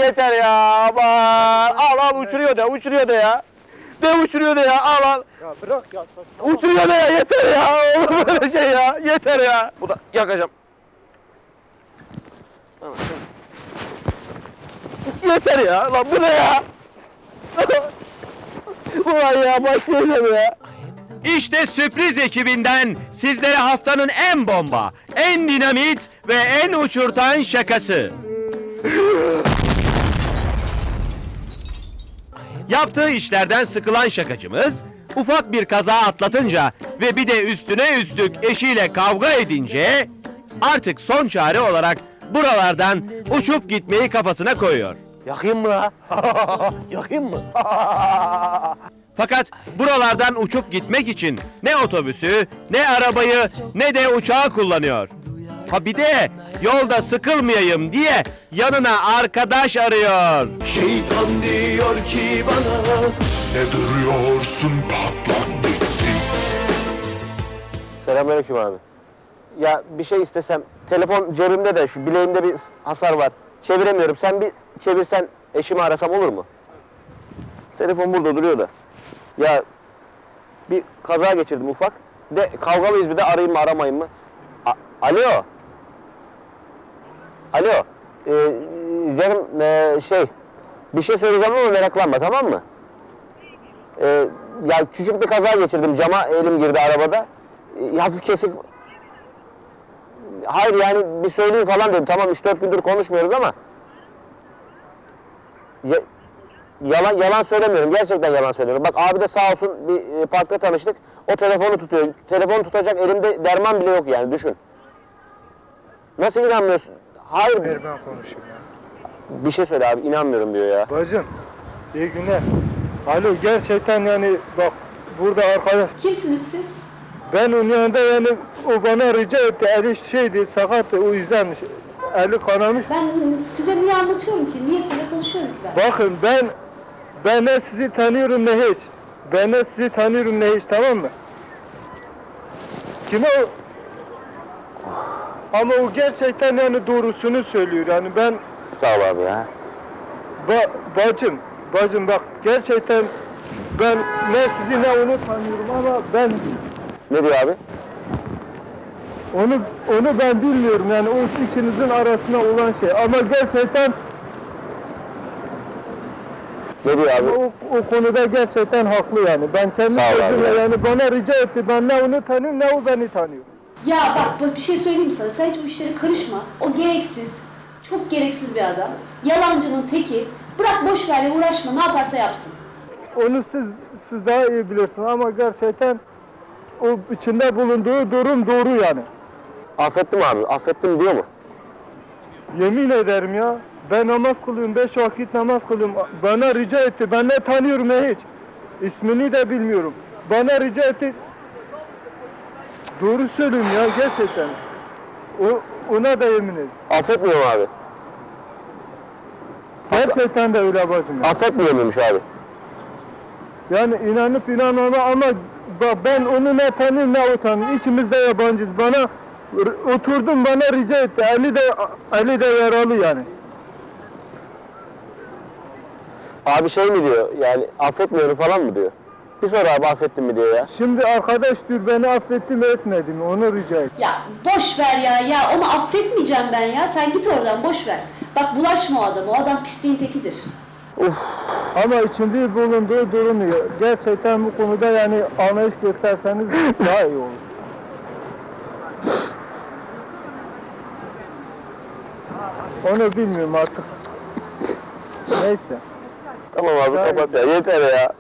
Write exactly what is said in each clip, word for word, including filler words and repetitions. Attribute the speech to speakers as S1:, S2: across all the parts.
S1: yeter ya. Aman. Al al uçuruyor da uçuruyor da ya. De uçuruyor da ya al al.
S2: Ya bırak ya. Saçma.
S1: Uçuruyor da ya yeter ya. Olur böyle şey ya. Yeter ya. Bu da yakacağım. Yeter ya. Lan bu ne ya? Ulan ya başlayacağım ya.
S3: İşte sürpriz ekibinden sizlere haftanın en bomba, en dinamit ve en uçurtan şakası. Yaptığı işlerden sıkılan şakacımız, ufak bir kaza atlatınca ve bir de üstüne üstlük eşiyle kavga edince artık son çare olarak buralardan uçup gitmeyi kafasına koyuyor.
S1: Yakayım mı la? Yakayım mı?
S3: Fakat buralardan uçup gitmek için ne otobüsü, ne arabayı, ne de uçağı kullanıyor. Ha bir de yolda sıkılmayayım diye yanına arkadaş arıyor.
S4: Şeytan diyor ki bana, ne duruyorsun, patlat bitsin.
S1: Selamünaleyküm abi. Ya bir şey istesem, telefon cebimde de şu bileğimde bir hasar var. Çeviremiyorum. Sen bir çevirsen eşimi arasam olur mu? Telefon burada duruyor da. Ya bir kaza geçirdim ufak. De kavgalıyız bir de arayayım mı aramayayım mı? A Alo. Alo. Ee, canım ee, şey bir şey söyleyeceğim ama meraklanma tamam mı? Ee, ya küçük bir kaza geçirdim. Cama elim girdi arabada. Ee, hafif kesik. Hayır yani bir söyleyeyim falan dedim. Tamam üç dört gündür konuşmuyoruz ama ya, yalan yalan söylemiyorum. Gerçekten yalan söylüyorum. Bak abi de sağ olsun bir e, parkta tanıştık. O telefonu tutuyor. Telefonu tutacak elimde derman bile yok yani düşün. Nasıl inanmıyorsun? Hayır.
S2: Ver ben konuşayım ya.
S1: Bir şey söyle abi inanmıyorum diyor ya.
S2: Bacım iyi günler. Alo gerçekten yani bak burada arkadaş.
S5: Kimsiniz siz?
S2: Ben onun yanında yani o bana rica etti. Eli şeydi sakattı o yüzden eli kanamış.
S5: Ben size niye anlatıyorum ki? Niye sizinle konuşuyorum ki ben?
S2: Bakın ben ben ne sizi tanıyorum ne hiç. Ben ne sizi tanıyorum ne hiç tamam mı? Kim o? Ama o gerçekten yani doğrusunu söylüyor yani ben
S1: Sağ ol abi ya.
S2: ba, bacım bacım bak gerçekten ben ne sizi ne onu tanıyorum ama ben
S1: Ne diyor abi?
S2: onu onu ben bilmiyorum yani o ikinizin arasında olan şey ama gerçekten
S1: Ne diyor abi?
S2: o, o konuda gerçekten haklı yani ben kendi
S1: Sağ ol abi
S2: sözümle
S1: ya.
S2: yani bana rica etti ben ne onu tanıyorum ne o beni tanıyor.
S5: Ya bak, bak bir şey söyleyeyim sana. Sen hiç o işlere karışma. O gereksiz. Çok gereksiz bir adam. Yalancının teki. Bırak boş ver ya uğraşma. Ne yaparsa yapsın.
S2: Onu siz siz daha iyi bilirsiniz ama gerçekten o içinde bulunduğu durum doğru yani.
S1: Affettim abi. Affettim diyor mu?
S2: Yemin ederim ya. Ben namaz kılıyorum, beş vakit namaz kılıyorum. Bana rica etti, ben ne tanıyorum ne hiç. İsmini de bilmiyorum. Bana rica etti. Doğru söylüyorum ya gerçekten. O, ona da yemin ederim.
S1: Affetmiyor mu abi?
S2: Gerçekten de öyle bacım ya.
S1: Affetmiyor muymuş abi?
S2: Yani inanıp inanmama ama bak ben onu ne tanıyorum ne o tanıyorum. İkimiz de yabancıyız. Bana r- oturdum bana rica etti. Ali de Ali de yaralı yani.
S1: Abi şey mi diyor yani affetmiyorum falan mı diyor? Bir sor abi affettin mi diyor ya.
S2: Şimdi arkadaş diyor beni affetti mi etmedi mi onu rica et.
S5: Ya boş ver ya. Ya onu affetmeyeceğim ben ya. Sen git oradan boş ver. Bak bulaşma o adama. O adam pisliğin tekidir.
S2: Ama içinde bulunduğu durum ya. Gerçekten bu konuda yani anlayış gösterseniz daha iyi olur. Onu bilmiyorum artık. Neyse.
S1: Tamam abi kapat ya yeter ya.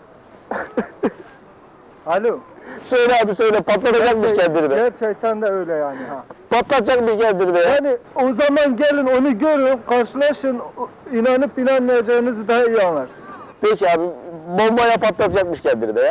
S2: Alo.
S1: Söyle abi söyle patlatacakmış kendini de.
S2: Gerçekten de öyle yani ha.
S1: Patlatacakmış kendini de ya.
S2: Yani o zaman gelin onu görün, karşılaşın, inanıp inanmayacağınızı daha iyi anlar.
S1: Peki abi bombaya patlatacakmış kendini de ya.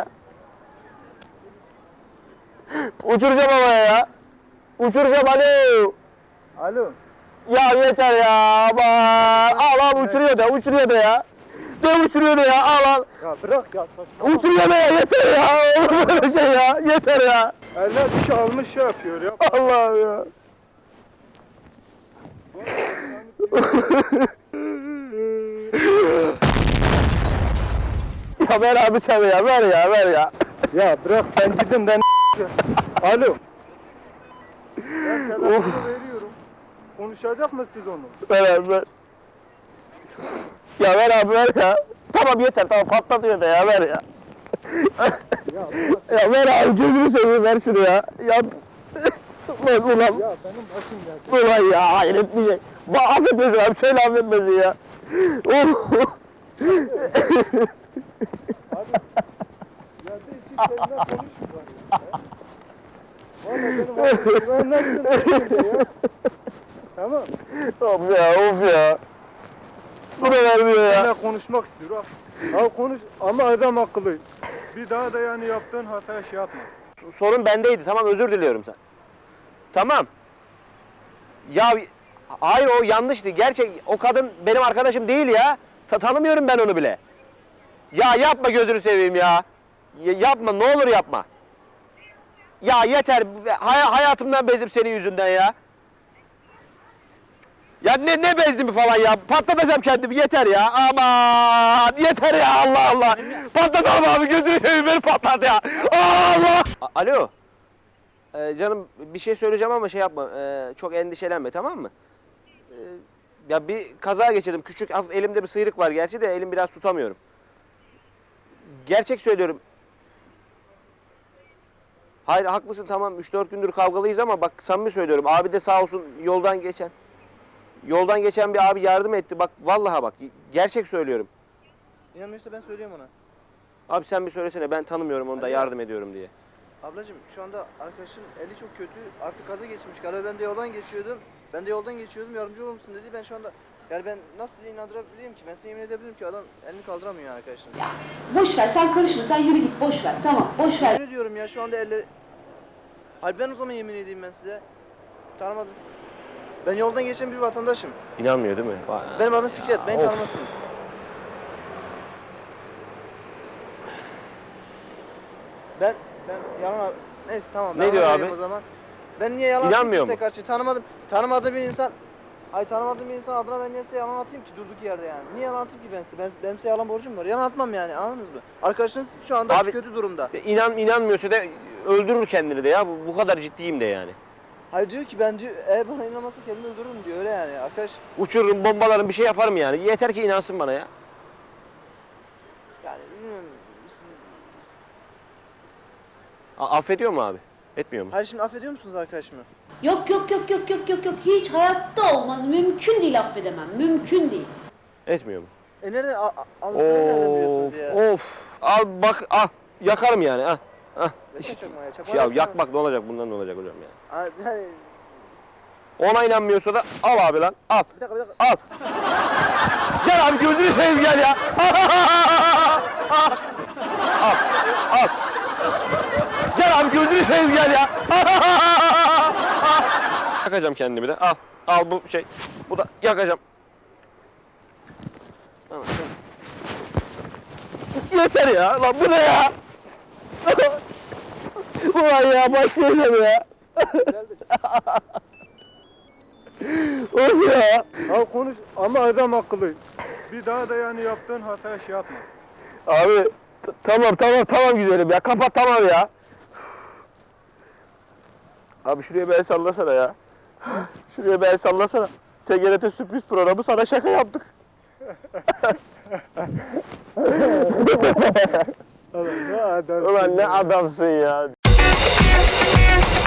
S1: Uçuracağım havaya ya. Uçuracağım alo.
S2: Alo.
S1: Ya yeter ya aman. Al al uçuruyor da uçuruyor da ya. De uçuruyor da ya al al.
S2: Ya bırak ya saçma.
S1: Uçuruyor da ya yeter ya. Olur böyle şey ya. Yeter ya.
S2: Eller bir şey almış şey yapıyor ya.
S1: Allah'ım ya. Ya ver abi sen ya, ver ya, ver ya.
S2: Ya bırak ben gidin ben Alo. Ben telefonu veriyorum. Konuşacak mısınız onu?
S1: Ver abi ver. Ya ver abi ver ya. Tamam yeter tamam patlatıyor da ya ver ya.
S2: Ya bırak.
S1: Ya ver abi gözünü seveyim ver şunu ya. Ya ulan ulan.
S2: Ya benim başım geldi.
S1: Ulan ya hayret bir şey. Ba affetmesin abi söyle affetmesin ya. Oh.
S2: Ya bir iki kelime konuşun bari ya. Valla benim başım ben nasıl ya? Tamam.
S1: Of ya of ya. Bu da vermiyor ya.
S2: Seninle konuşmak istiyor. Al. Al konuş ama adam akıllı. Bir daha da yani yaptığın hataya şey yapma.
S1: Sorun bendeydi tamam özür diliyorum sen. Tamam. Ya hayır o yanlıştı. Gerçek o kadın benim arkadaşım değil ya. Ta tanımıyorum ben onu bile. Ya yapma gözünü seveyim ya. Ya yapma ne olur yapma. Ya yeter hay hayatımdan bezdim senin yüzünden ya. Ya ne ne bezdim falan ya. Patlatacağım kendimi yeter ya. Aman yeter ya Allah Allah. Patlatalım abi gözünü seveyim beni patlat ya. Allah. A- Alo. Ee, canım bir şey söyleyeceğim ama şey yapma. Ee, çok endişelenme tamam mı? Ee, ya bir kaza geçirdim. Küçük hafif elimde bir sıyrık var gerçi de elim biraz tutamıyorum. Gerçek söylüyorum. Hayır haklısın tamam üç dört gündür kavgalıyız ama bak samimi söylüyorum. Abi de sağ olsun yoldan geçen. Yoldan geçen bir abi yardım etti. Bak vallahi bak gerçek söylüyorum.
S6: İnanmıyorsa ben söyleyeyim ona.
S1: Abi sen bir söylesene ben tanımıyorum onu da
S6: Alo.
S1: yardım ediyorum diye.
S6: Ablacığım şu anda arkadaşın eli çok kötü. Artık kaza geçmiş. Galiba ben de yoldan geçiyordum. Ben de yoldan geçiyordum. Yardımcı olur musun dedi. Ben şu anda yani ben nasıl size inandırabilirim ki? Ben size yemin edebilirim ki adam elini kaldıramıyor arkadaşlar.
S5: Ya boş ver sen karışma sen yürü git boş ver tamam boş ver.
S6: Yemin ediyorum ya şu anda elle... Hayır ben o zaman yemin edeyim ben size. Tanımadım. Ben yoldan geçen bir vatandaşım.
S1: İnanmıyor değil mi?
S6: Benim adım Fikret. Beni
S1: Of.
S6: tanımazsınız. Ben ben yalan neyse tamam.
S1: Ne
S6: ben
S1: diyor
S6: ona
S1: abi?
S6: vereyim O zaman. Ben niye yalan
S1: İnanmıyor
S6: atayım
S1: mu?
S6: size karşı tanımadım. Tanımadığım bir insan Ay tanımadığım bir insan adına ben niye size yalan atayım ki durduk yerde yani. Niye yalan atayım ki ben size? Ben, benim size yalan borcum var. Yalan atmam yani anladınız mı? Arkadaşınız şu anda
S1: Abi-
S6: kötü durumda.
S1: De İnan inanmıyorsa da öldürür kendini de ya. Bu, bu kadar ciddiyim de yani.
S6: Hayır diyor ki ben diyor eğer bana inanmazsa kendimi öldürürüm diyor öyle yani arkadaş.
S1: Uçururum, bombalarım bir şey yaparım yani. Yeter ki inansın bana ya.
S6: Yani bilmiyorum. Siz...
S1: A- affediyor mu abi? Etmiyor mu?
S6: Hayır şimdi affediyor musunuz arkadaşımı?
S5: Yok yok yok yok yok yok yok hiç hayatta olmaz mümkün değil affedemem mümkün değil.
S1: Etmiyor mu?
S6: E nereden a- a- aldıklarını nereden
S1: Of,
S6: biliyorsunuz ya?
S1: of. Al bak, al. Yakarım yani. Ah, ah.
S6: Versene çakmağı, çakmağı
S1: Ya
S6: versene.
S1: yakmak ne olacak bundan ne olacak hocam ya?
S6: Ay, Yani,
S1: Ona inanmıyorsa da al abi lan. Al.
S6: bir dakika bir dakika.
S1: Al. Gel abi gözünü seveyim gel ya. Al. Al. Gel abi gözünü seveyim gel ya. Yakacağım kendimi de. Al. Al bu şey. Bu da yakacağım. Al, yeter ya. Lan bu ne ya? Ulan ya başlayacağım ya. Of ya.
S2: Al konuş ama adam akıllı. Bir daha da yani yaptığın hataya şey yapma.
S1: Abi t- tamam tamam tamam güzelim ya kapat tamam ya. Abi şuraya bir el sallasana ya. Şuraya bir el sallasana. T G R T sürpriz programı sana şaka yaptık.
S2: Ulan ne adam.
S1: Ulan ne adamsın ya.